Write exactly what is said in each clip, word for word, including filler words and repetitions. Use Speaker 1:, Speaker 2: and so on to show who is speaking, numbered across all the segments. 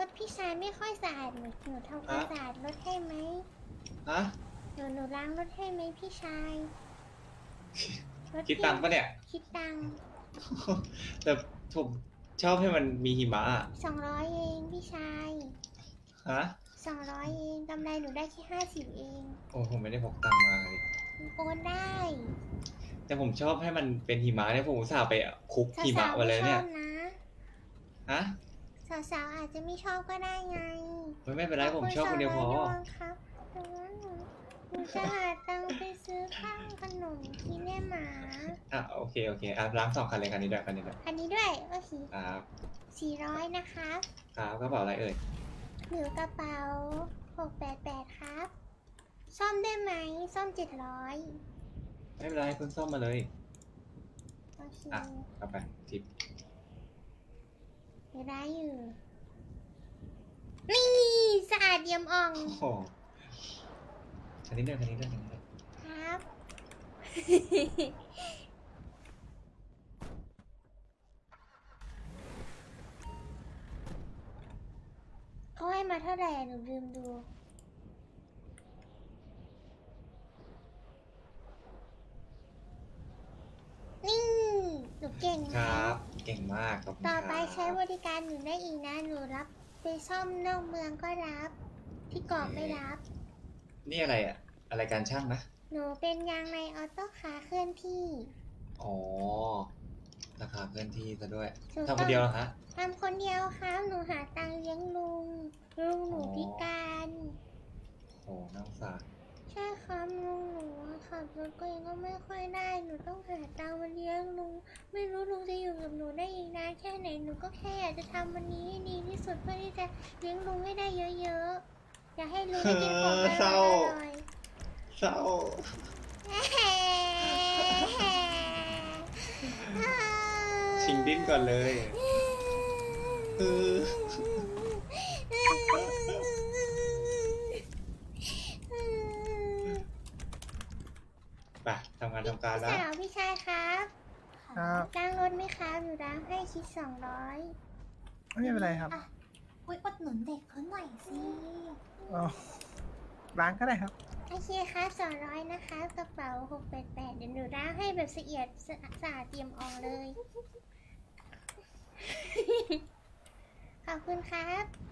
Speaker 1: ถพี่ชายไม่ค่อยสะอาดหนูหนูทำความสะอาดรถให้ไหม
Speaker 2: ฮะ
Speaker 1: หนูหนูล้างรถให้ไหมพี่ชายรถ
Speaker 2: คิดตังค์ปะเนี่ย
Speaker 1: คิดตังค์
Speaker 2: แต่ผมชอบให้มันมีหิมะอะ
Speaker 1: สองร้อยเองพี่ชาย
Speaker 2: ฮะ
Speaker 1: สองร้อยเองกำไรหนูได้แค่ห้าสิบเอง
Speaker 2: โอ้ผมไม่ได้พกตังค์มาเลย
Speaker 1: โอนได้
Speaker 2: แต่ผมชอบให้มันเป็นหิมะเนี่ยผมอุตส่าห์ไปคลุกหิมะ
Speaker 1: สาวๆ
Speaker 2: มา
Speaker 1: ไม่
Speaker 2: เลย
Speaker 1: ช
Speaker 2: เนี่
Speaker 1: อย บนะ
Speaker 2: ฮะ
Speaker 1: สาวๆอาจจะไม่ชอบก็ได้ไง
Speaker 2: ไม่ไม่เป็นไรผมชอบคนเดียวพอ
Speaker 1: ขบคุณสองร้อยดวงครับแต่ว่าหนูหนูจะหาตังค์ไปซื้อข้าวขนมกินแม่หมา
Speaker 2: อ่ะโอเคโอเคอ่ะล้างสองคันเลยคันนี้ด้วยคันนี้ด้วย
Speaker 1: อันนี้ด้วยโอเค
Speaker 2: ครับ
Speaker 1: สี่ร้อยนะครับ
Speaker 2: ครับกระเป๋าอะไรเอ่ย
Speaker 1: หรือกระเป๋าหกแปดแปดครับ ซ่อมได้ไหมซ่อมเจ็ดร้อย
Speaker 2: ไม่เป็นไรเพิ่งซ่อมมาเลย
Speaker 1: โอเค
Speaker 2: อ่ะเอาไปทิป
Speaker 1: เดี๋ยวได้อยู่ นี่สะอาดเยี่ยมอ่อง
Speaker 2: โอ้โหคันนี้ด้วยคันนี้ด้วยคันนี้ด้วย
Speaker 1: ครับ เขาให้มาเท่าไหร่อะหนูลืมดู นี่ หนูเก่งไหม
Speaker 2: ครับ เก่งมากขอบคุณ
Speaker 1: ต่อไป
Speaker 2: ครับ
Speaker 1: ใช้บริการหนูได้อีกนะ หนูรับไปซ่อมนอกเมืองก็รับ ที่เกาะไม่รับ
Speaker 2: นี่อะไรอ่ะ อะไรการช่างนะ
Speaker 1: หนูเป็นยางในออโต้คาร์เคลื่อนที่
Speaker 2: อ๋อ ราคาเคลื่อนที่ซะด้วย
Speaker 1: ถูก
Speaker 2: ทำคนเดียวเหรอฮะ
Speaker 1: ทำคนเดียวครับ หนูหาตังค์เลี้ยงลุง ลุงหนู
Speaker 2: อ๋อ
Speaker 1: พิการ
Speaker 2: โอ้น่าสงสาร
Speaker 1: ใช่ครับลุงหนูอะขับรถก็ยังก็ไม่ค่อยได้ หนูต้องหาตังค์มาเลี้ยงลุง ไม่รู้ลุงจะอยู่กับหนูได้อีกนานแค่ไหน หนูก็แค่อยากจะทำวันนี้ให้ดีที่สุดเพื่อที่จะเลี้ยงลุงให้ได้เยอะๆ อยากให้ลุงได้กินของอ
Speaker 2: เศร้า
Speaker 1: ร่อย
Speaker 2: เศร้า
Speaker 1: ๆ
Speaker 2: ชิงดิ้นก่อนเลยเออไปทำงานทำการ
Speaker 1: พี่
Speaker 2: แล้ว
Speaker 1: สาวพี่ชายครับ
Speaker 3: ครับ
Speaker 1: ล้างรถไหมครับหนูล้างให้คิดสองร้อย
Speaker 3: ไม่เป็นไรครับ
Speaker 4: อ่ะ อุ้ยอดหนุนเด็กเขาหน่อยสิ
Speaker 3: อ๋อล้างก็ได้ครับ
Speaker 1: โอเคครับสองร้อยนะคะกระเป๋าหกแปดแปดเดี๋ยวหนูล้างให้แบบละเอียดสะสะอาดเตรียมออกเลย ขอบคุณครับ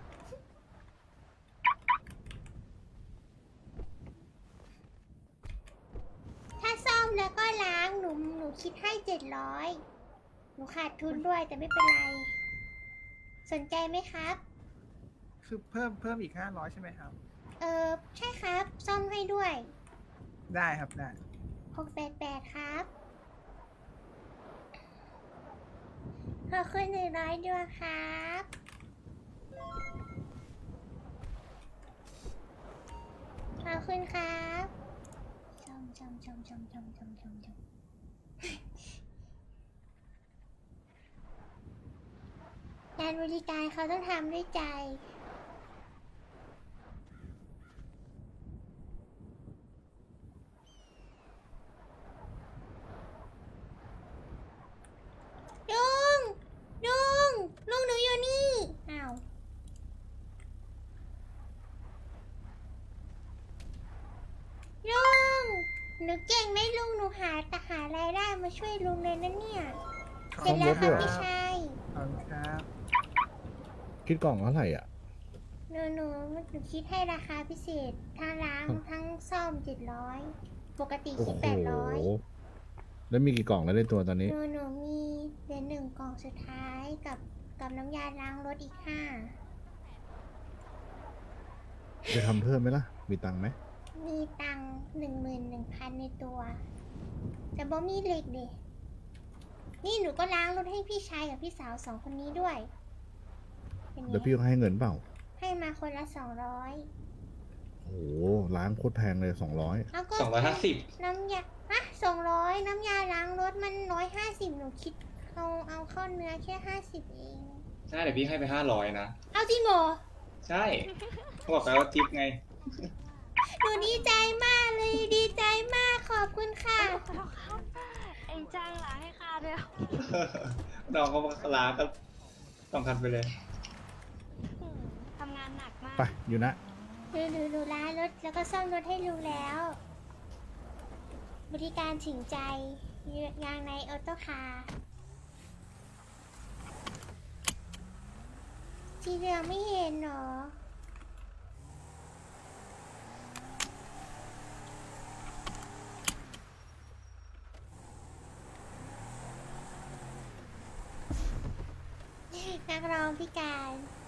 Speaker 1: ถ้าซ่อมแล้วก็ล้างหนูหนูคิดให้เจ็ดร้อยหนูขาดทุนด้วยแต่ไม่เป็นไร สนใจไหมครับ
Speaker 3: คือเพิ่มเพิ่มอีกห้าร้อยใช่ไหมครับ
Speaker 1: เออใช่ครับ ซ่อมให้ด้วย
Speaker 3: ได้ครับได้
Speaker 1: หกแปดแปดครับขอบคุณหนึ่งร้อยดวงครับ ขอบคุณครับชมชมชมชมชมชมชมชมการบริการเขาต้องทำด้วยใจ ลุง ลุง ลุงหนูอยู่นี่ อ้าว ลุง หนูเก่งไหมลุง หนูหาแต่หารายได้มาช่วยลุงเลยนะเนี่ย เสร็จแล้วค่ะพี่ชาย
Speaker 3: ขอบคุณครับ
Speaker 5: คิดกล่องเท่าไหร่อ่ะ
Speaker 1: หนูหนูหนูคิดให้ราคาพิเศษ ทั้งล้างทั้งซ่อมเจ็ดร้อยปกติ
Speaker 5: โอ้
Speaker 1: คิด
Speaker 5: โห
Speaker 1: แปดร้อย
Speaker 5: แล้วมีกี่กล่องแล้วในตัวตอนนี้
Speaker 1: หนูหนูมีเหลือหนึ่งกล่องสุดท้ายกับกับน้ำยาล้างรถอีกห้า
Speaker 5: จะทำเพิ่มไหมล่ะ มีตังค์ไหม
Speaker 1: มีตังหนึ่งหมื่นหนึ่งพันในตัว แต่บ่มีเหล็กเด็นี่หนูก็ล้างรถให้พี่ชายกับพี่สาวสองคนนี้ด้วยเป็นไง
Speaker 5: เดี๋ยวพี่ก็ให้เงินเปล่า
Speaker 1: ให้มาคนละสองร้อย
Speaker 5: โอ้โหล้างโคตรแพงเลยสองร้อย
Speaker 1: แล้วก็
Speaker 2: สองร้อยห้าสิบ
Speaker 1: น้ำยาฮะสองร้อยน้ำยาล้างรถมันร้อยห้าสิบหนูคิดเอาเอาเข้าเนื้อแค่ห้าสิบเอง
Speaker 2: ใช่เดี๋ยวพี่ให้ไปห้าร้อยนะ
Speaker 1: เอาจริงเหรอ
Speaker 2: ใช่เขาบอกไปว่าทิปไง
Speaker 1: หนูดีใจมากเลยดีใจมากขอบคุณค่ะ
Speaker 4: เอ็งจ้างล้างให้ข้าด้วย
Speaker 2: น้องเขาลาก็ต้องคันไปเลย
Speaker 4: อืม
Speaker 5: ไปอยู่นะ
Speaker 1: ดูดูดูร้านรถแล้วก็ซ่อมรถให้ลุงแล้ว บริการถึงใจงานในออโต้คาร์สีเหลืองไม่เห็นเหรอ นักร้องพิการ